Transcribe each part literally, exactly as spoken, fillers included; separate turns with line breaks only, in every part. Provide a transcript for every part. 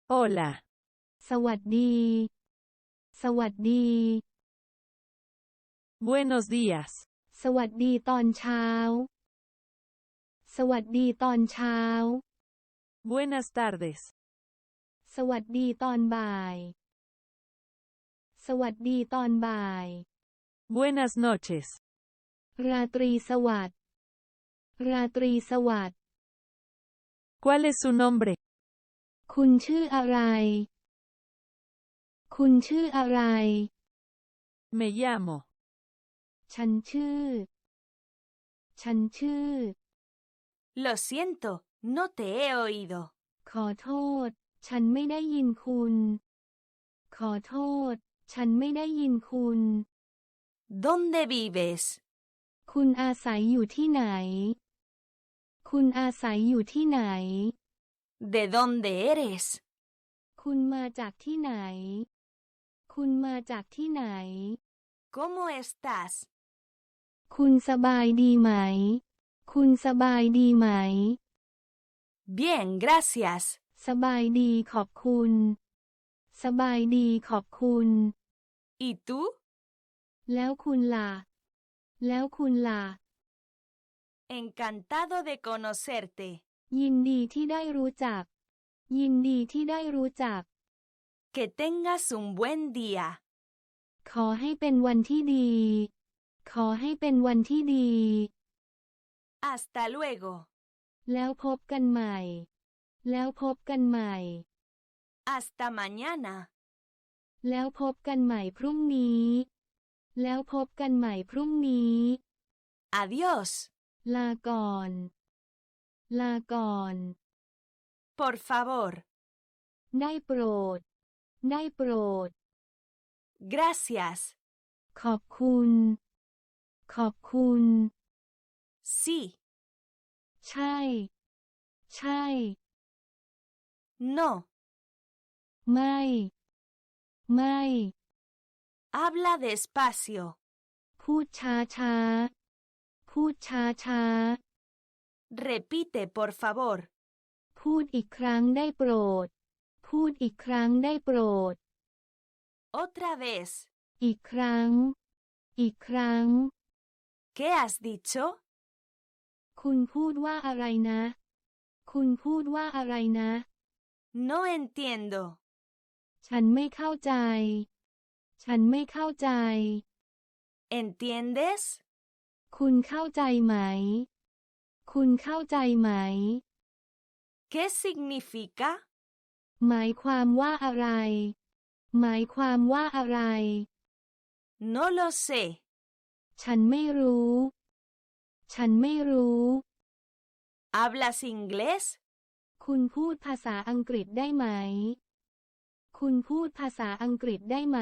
Hola.
สวัสดี สวัสดี
Buenos días.
สวัสดีตอนเช้า สวัสดีตอนเช้า
Buenas tardes.
สวัสดีตอนบ่าย สวัสดีตอนบ่าย
Buenas noches.
ราตรีสวัสดิ์ ราตรีสวัสดิ์
¿Cuál es su nombre?
คุณชื่ออะไร คุณชื่ออะไร
Me llamo.
ฉันชื่อ ฉันชื่อ
Lo siento, no te he oído.
ขอโทษ ฉันไม่ได้ยินคุณ ขอโทษ ฉันไม่ได้ยินคุณ
¿Dónde vives?
คุณอาศัยอยู่ที่ไหน คุณอาศัยอยู่ที่ไหน
¿De dónde eres?
คุณมาจากที่ไหน คุณมาจากที่ไหน
¿Cómo estás?
คุณสบายดีไหม คุณสบายดีไหม
Bien, gracias.
สบายดีขอบคุณ สบายดีขอบคุณ
¿Y tú?
แล้วคุณล่ะ แล้วคุณล่ะ
Encantado de conocerte.
ยินดีที่ได้รู้จัก ยินดีที่ได้รู้จัก
Que tengas un buen día.
ขอให้เป็นวันที่ดี ขอให้เป็นวันที่ดี
Hasta luego.
แล้วพบกันใหม่ แล้วพบกันใหม่
Hasta mañana.
แล้วพบกันใหม่พรุ่งนี้ แล้วพบกันใหม่พรุ่งนี้
Adiós.
ลาก่อน ลาก่อน
Por favor.
ได้โปรด ได้โปรด
Gracias.
ขอบคุณ ขอบคุณ
Sí.
ใช่ ใช่
No.
ไม่ ไม่
Habla despacio.
พูดช้าช้า พูดช้าช้า
Repite, por favor.
พูดอีกครั้งได้โปรด พูดอีกครั้งได้โปรด
Otra vez.
อีกครั้ง อีกครั้ง
¿Qué has dicho?
คุณพูดว่าอะไรนะ คุณพูดว่าอะไรนะ
No entiendo.
ฉันไม่เข้าใจ ฉันไม่เข้าใจ
¿Entiendes?
คุณเข้าใจไหม คุณเข้าใจไหม
¿Qué significa?
หมายความว่าอะไร หมายความว่าอะไร
No lo sé.
ฉันไม่รู้ ฉันไม่รู้
¿Hablas inglés?
คุณพูดภาษาอังกฤษได้ไหม คุณพูดภาษาอังกฤษได้ไหม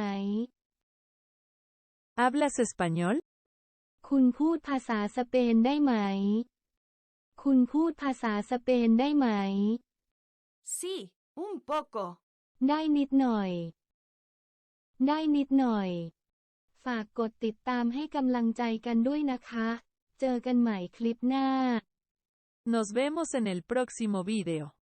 ¿Hablas español?
คุณพูดภาษาสเปนได้ไหม คุณพูดภาษาสเปนได้ไหม
Sí, un poco.
ได้นิดหน่อย ได้นิดหน่อย ฝากกดติดตามให้กำลังใจกันด้วยนะคะ เจอกันใหม่คลิปหน้า
Nos vemos en el próximo video.